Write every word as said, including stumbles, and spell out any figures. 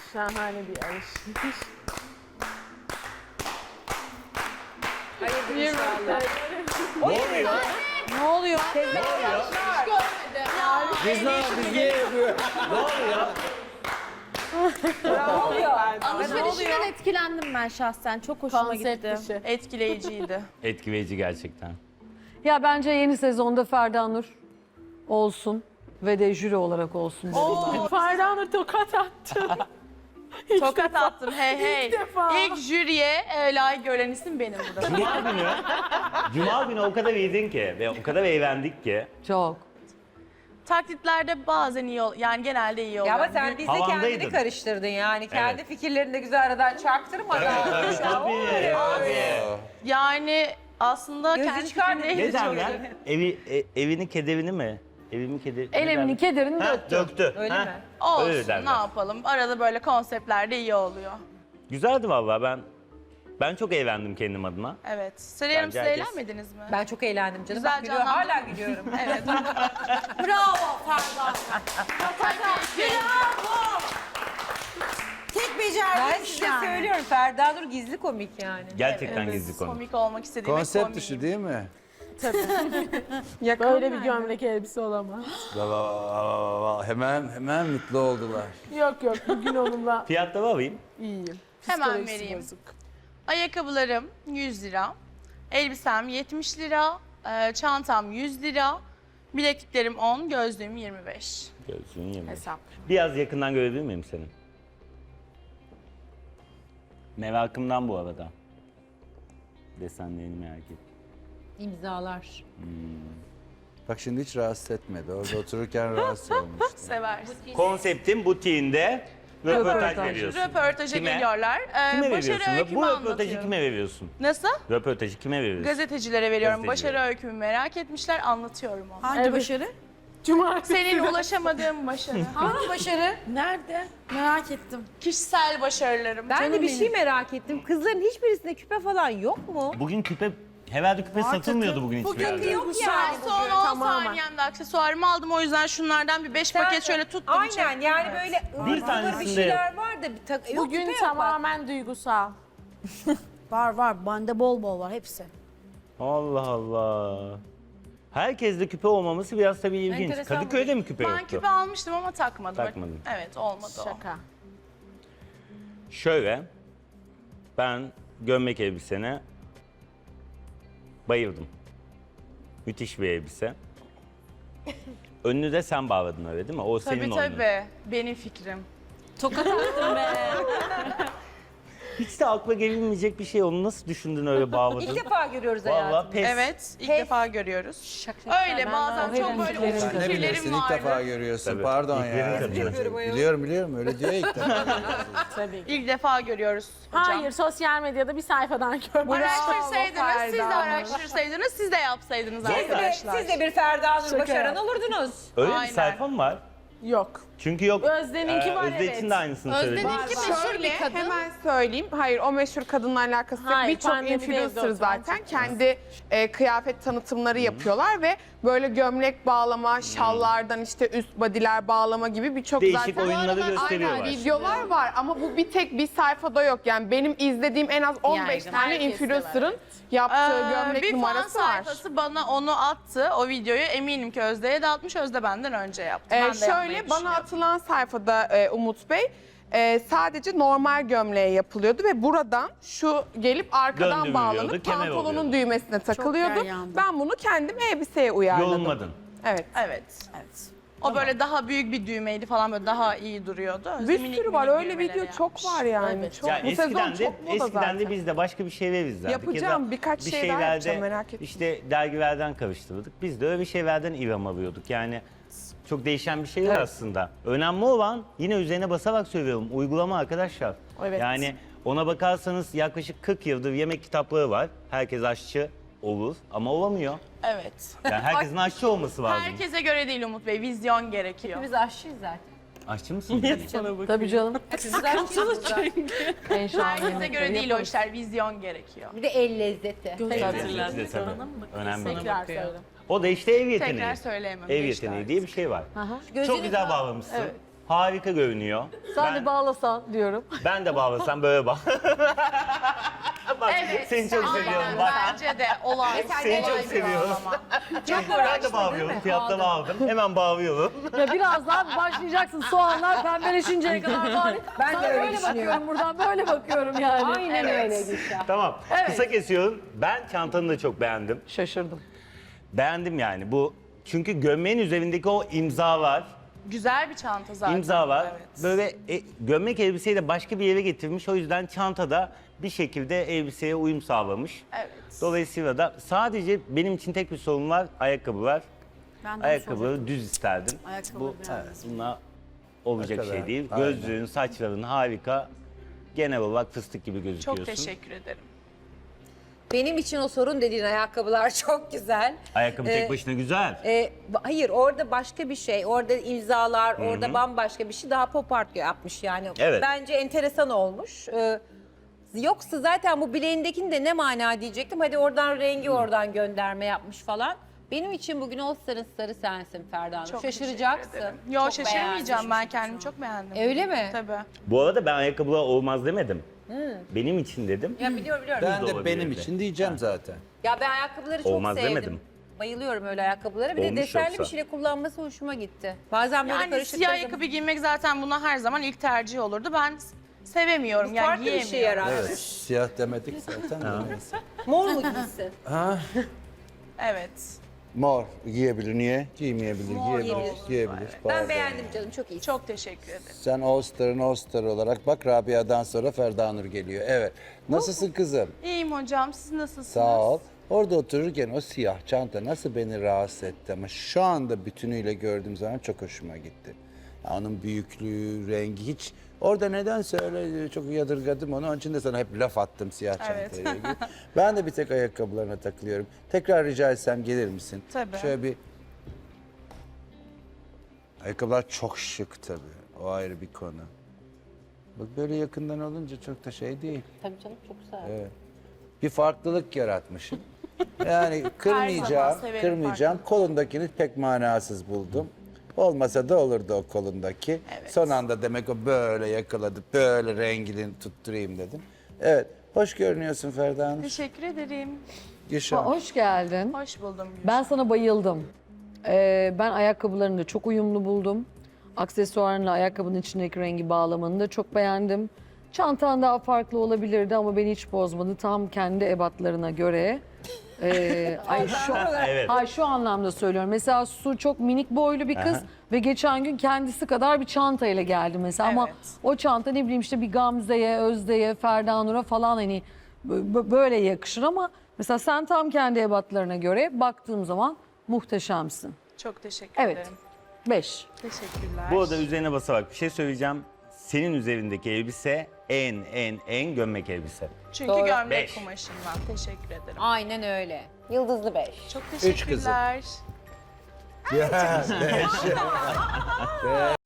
Şahane bir alışveriş. Hayırdır inşallah. Ne oluyor? Ne oluyor? Ne oluyor? Biz ne yaptık? Niye yapıyor? Ne oluyor? Ne oluyor? Alışverişinden etkilendim ben şahsen. Çok hoşuma Konsept gitti. dışı. Etkileyiciydi. Etkileyici gerçekten. Ya bence yeni sezonda Ferda Nur olsun ve de jüri olarak olsun dedim ben. Ferda Nur tokat attı. Tokat attım hey hey. İlk defa. İlk jüriye e, layık gören isim benim burada. Cuma günü, Cuma günü o kadar iyiydin ki ve o kadar eğlendik ki. Çok. Taklitlerde bazen iyi ol, yani genelde iyi oluyor. Ya ama sen bizle kendini Havandaydın. karıştırdın yani. Kendi Evet. fikirlerini de güzel aradan çaktırmadan. Tabii tabii. tabii. Yani aslında Gözü kendi çıkardı. fikrimde Ne hiç derler? Evi, e, evini kederini mi? Evimi kederini. El emini kederini Ha, döktü. döktü. Öyle Ha, mi? olsun Öyle derler. ne yapalım. Arada böyle konseptlerde iyi oluyor. Güzeldi vallahi ben. Ben çok eğlendim kendim adıma. Evet. Sıra yarım Bence siz herkes- eğlenmediniz mi? Ben çok eğlendim canım. Güzel Bak, gülüyorum. canlandırdın. Hala gülüyorum. Evet. Bravo Ferda. Tek Ben becerdiğin size yani. söylüyorum Ferda Nur gizli komik yani. Gerçekten Evet, gizli konu. Komik olmak istediğim Konsept dışı değil mi? Böyle bir gömlek elbise olamaz. Hemen hemen mutlu oldular. Yok yok bugün onunla Fiyatları alayım. iyiyim. Hemen Psikolojisi vereyim. bozuk. Ayakkabılarım yüz lira. Elbisem yetmiş lira. e, Çantam yüz lira. Bilekliklerim on, gözlüğüm yirmi beş. Görsün yemin. Hesap. Biraz yakından görebilir miyim seni? Merakımdan bu arada. Desenlerini merak ettim. İmzalar. Bak şimdi hiç rahatsız etmedi. Orada otururken rahatsız olmuştu. Seversin. Konseptin butiğinde röportaj Röportaj. veriyorsun. Röportaja Kime? geliyorlar. Ee, Kime başarı veriyorsun? öykümü Bu röportajı anlatıyorum. kime veriyorsun? Nasıl? Röportajı kime veriyorsun? Gazetecilere veriyorum. Gazetecilere. Başarı öykümü merak etmişler, anlatıyorum onu. Hangi Evet. başarı? Cumartesi. Senin ulaşamadığın başarı. Hangi başarı? Nerede? Merak ettim. Kişisel başarılarım. Ben Canım de bir benim. şey merak ettim. Kızların hiçbirisinde küpe falan yok mu? Bugün küpe, herhalde küpe satılmıyordu bugün hiçbir Bugün yerde. yok Yani yani. son bugün. on tamamen. saniyemde aksesuarımı aldım. O yüzden şunlardan bir beş Sen- paket şöyle tuttum. Aynen yani böyle Bir ıvır zıvır bir tanesinde şeyler var da bir tak yok, Bugün küpe yok bak. tamamen duygusal. Var var. Bende bol bol var hepsi. Allah Allah. Herkeste küpe olmaması biraz tabii ilginç. Enteresan Kadıköy'de mi küpe Ben yoktu? küpe almıştım ama takmadım. Takmadın. Evet olmadı o. Şaka. Şöyle, ben gömlek elbisene bayıldım. Müthiş bir elbise. Önünü de sen bağladın öyle değil mi? O senin Tabii oyunun. tabii. Benim fikrim. Tokat attım be. Hiç de akla gelinmeyecek bir şey. Onu nasıl düşündün öyle bağladın? İlk defa görüyoruz hayatım. Vallahi pes. Evet. ilk Pes. defa görüyoruz. Öyle Ben bazen de çok o böyle fikirlerim uç Sen ne fikirlerim bilirsin ilk defa vardı. görüyorsun. Tabii. Pardon İlklerin ya. tabii. Yapıyorum ayol. Biliyorum biliyorum öyle diyor ya ilk defa. Tabii. İlk defa görüyoruz hocam. Hayır sosyal medyada bir sayfadan görmüş. Araştırsaydınız, siz de Ferda. araştırsaydınız, siz de yapsaydınız Siz de, arkadaşlar. siz de bir Ferda Nur Şaka başaran yap. olurdunuz. Öyle Aynen. bir sayfam var. Yok. Çünkü yok. Özden'inki var, Özde evet. için de aynısını söyledim. Özden'inki meşhur Şöyle bir kadın. hemen söyleyeyim. Hayır o meşhur kadınla alakası yok. Hayır, Birçok pandemide evde influencer oturan zaten çok kendi e, kıyafet tanıtımları yapıyorlar ve böyle gömlek bağlama, şallardan işte üst badiler bağlama gibi birçok Değişik zaten oyunları Aynen, gösteriyorlar. videolar var ama bu bir tek bir sayfada yok. Yani benim izlediğim en az on beş Yaygın, tane herkeste var, influencer'ın evet. yaptığı Ee, gömlek bir fan numarası var. sayfası bana onu attı, o videoyu. Eminim ki Özde'ye de atmış, Özde benden önce yaptı. Ee, ben de yapmayı şöyle bana düşünüyorum. atılan sayfada e, Umut Bey e, sadece normal gömleğe yapılıyordu ve buradan şu gelip arkadan Döndürülüyordu, bağlanıp kemer pantolonun oluyordu. düğmesine takılıyordu. yandı. Ben bunu kendim elbiseye uyarladım. Yolunmadın. Evet. Evet. Evet. O böyle daha büyük bir düğmeydi falan, böyle daha iyi duruyordu. Özde Bir minik sürü var minik öyle düğmeleri video çok yapmış. var yani. Evet. Çok, Ya bu sezon eskiden de çok moda eskiden zaten. de biz de başka bir şeyler izlerdik. Yapacağım, Ya da birkaç bir şey daha şeylerde yapacağım, merak etme. İşte dergilerden karıştırdık. Biz de öyle bir şeylerden ilham alıyorduk. Yani çok değişen bir şeyler aslında. Önemli olan, yine üzerine basarak söylüyorum, uygulama arkadaşlar. Evet. Yani ona bakarsanız yaklaşık kırk yıldır yemek kitapları var. Herkes aşçı olur ama olamıyor. Evet. Yani herkesin aşçı olması lazım. Herkese göre değil Umut Bey, vizyon gerekiyor. Biz aşçıyız zaten. Aşçı mısın? Tabii canım. Biz aşçıyız zaten. En şahane Herkese yemekleri göre değil o yaparız. işler, vizyon gerekiyor. Bir de el lezzeti. Evet, biz de tabii. Önemli. Tekrar söyle. O da işte ev yeteneği. Tekrar söyleyemem. Ev geçti yeteneği artık. diye bir şey var. Gözünü Çok güzel bağ- bağlamışsın. Evet. harika görünüyor. Sen ben, de bağlasan diyorum. ben de bağlasam böyle bağ. Bak, Evet. seni çok aynen. seviyorum bak. Bence de olay. Seni çok olay bir seviyorum. bağlama. Çok ben de bağlıyorum. Fiyatta bağladım. Hemen bağlıyorum. Ya birazdan başlayacaksın soğanlar pembeleşinceye kadar bari. Ben de Sana öyle böyle düşünüyorum. bakıyorum buradan böyle bakıyorum yani. Aynen öyle Gülşah. Tamam. Kısa kesiyorum. Ben çantanı da çok beğendim. Şaşırdım. Beğendim yani. Bu çünkü gömleğin üzerindeki o imza var. Güzel bir çanta zaten. İmza var. Evet. Böyle e, gömlek elbiseyi de başka bir yere getirmiş. O yüzden çantada bir şekilde elbiseye uyum sağlamış. Evet. Dolayısıyla da sadece benim için tek bir sorun var. Ayakkabı var. Ben de Ayakkabıları düz isterdim. Ayakkabı Bu beğendim. evet, bunlar olacak Ne kadar? şey değil. Aynen. Gözlüğün, saçların harika. Genel olarak fıstık gibi gözüküyorsun. Çok teşekkür ederim. Benim için o sorun dediğin ayakkabılar çok güzel. Ayakkabı Ee, tek başına güzel. E, ba- hayır orada başka bir şey. Orada imzalar, orada bambaşka bir şey. Daha pop art yapmış yani. Evet. Bence enteresan olmuş. Ee, yoksa zaten bu bileğindekini de ne mana diyecektim. Hadi oradan rengi oradan gönderme yapmış falan. Benim için bugün All Star'ın starı sensin Ferda Hanım. Çok Şaşıracaksın. teşekkür ederim. Yo Çok şaşırmayacağım. beğendim. Ben kendimi çok beğendim. Öyle mi? Tabii. Bu arada ben ayakkabılar olmaz demedim. Benim için dedim. Ya biliyorum biliyorum. Ben de olabilirdi. benim için diyeceğim zaten. Ya ben ayakkabıları çok Olmaz sevdim. demedim. Bayılıyorum öyle ayakkabıları. Bir de Olmuş desenli yoksa. bir şeyle kullanması hoşuma gitti. Bazen böyle Yani karışık siyah takım- ayakkabı giymek zaten buna her zaman ilk tercih olurdu. Ben s- sevemiyorum Bu yani farklı bir giyemiyorum. şey yarar. Evet, siyah demedik zaten. de neyse. Mor mu giysin? Evet. Mor giyebilir. Niye? Giymeyebilir. Mor giyebilir. giyebilir. Giyebilir. Ben Pardon. beğendim canım çok iyi. Çok teşekkür ederim. Sen All Star'ın All Star olarak bak Rabia'dan sonra Ferda Nur geliyor. Evet. Nasılsın kızım? İyiyim hocam. Siz nasılsınız? Sağ ol. Orada otururken o siyah çanta nasıl beni rahatsız etti ama şu anda bütünüyle gördüğüm zaman çok hoşuma gitti. Ya onun büyüklüğü, rengi hiç... Orada nedense öyle çok yadırgadım onu. Onun için de sana hep laf attım siyah Evet. çantayla ilgili. Ben de bir tek ayakkabılarına takılıyorum. Tekrar rica etsem gelir misin? Tabii. Şöyle bir... Ayakkabılar çok şık tabii. O ayrı bir konu. Bak böyle yakından olunca çok da şey değil. Tabii canım çok güzel. Evet. Bir farklılık yaratmışım. Yani kırmayacağım, zaman severim kırmayacağım. Kolundakini pek manasız buldum. Olmasa da olurdu o kolundaki. Evet. Son anda demek o böyle yakaladı, böyle rengini tutturayım dedim. Evet, hoş görünüyorsun Ferda Hanım. Teşekkür ederim. Gülşah. Hoş geldin. Hoş buldum. Ben sana bayıldım. Ee, ben ayakkabılarını da çok uyumlu buldum. Aksesuarınla ayakkabının içindeki rengi bağlamanı da çok beğendim. Çantan daha farklı olabilirdi ama beni hiç bozmadı. Tam kendi ebatlarına göre. Ee, ay şu, Evet. Hayır şu anlamda söylüyorum. Mesela Su çok minik boylu bir kız Aha. ve geçen gün kendisi kadar bir çantayla geldi mesela. Ama Evet. o çanta ne bileyim işte bir Gamze'ye, Özde'ye, Ferda Nur'a falan hani b- böyle yakışır ama mesela sen tam kendi ebatlarına göre baktığım zaman muhteşemsin. Çok teşekkür Evet. ederim. Beş. Teşekkürler. Bu arada üzerine basarak bir şey söyleyeceğim. Senin üzerindeki elbise en en en gömlek elbise. Çünkü Doğru. gömlek Beş. kumaşından. Teşekkür ederim. Aynen öyle. Yıldızlı beş. Çok kızım. teşekkürler. Ya, beş.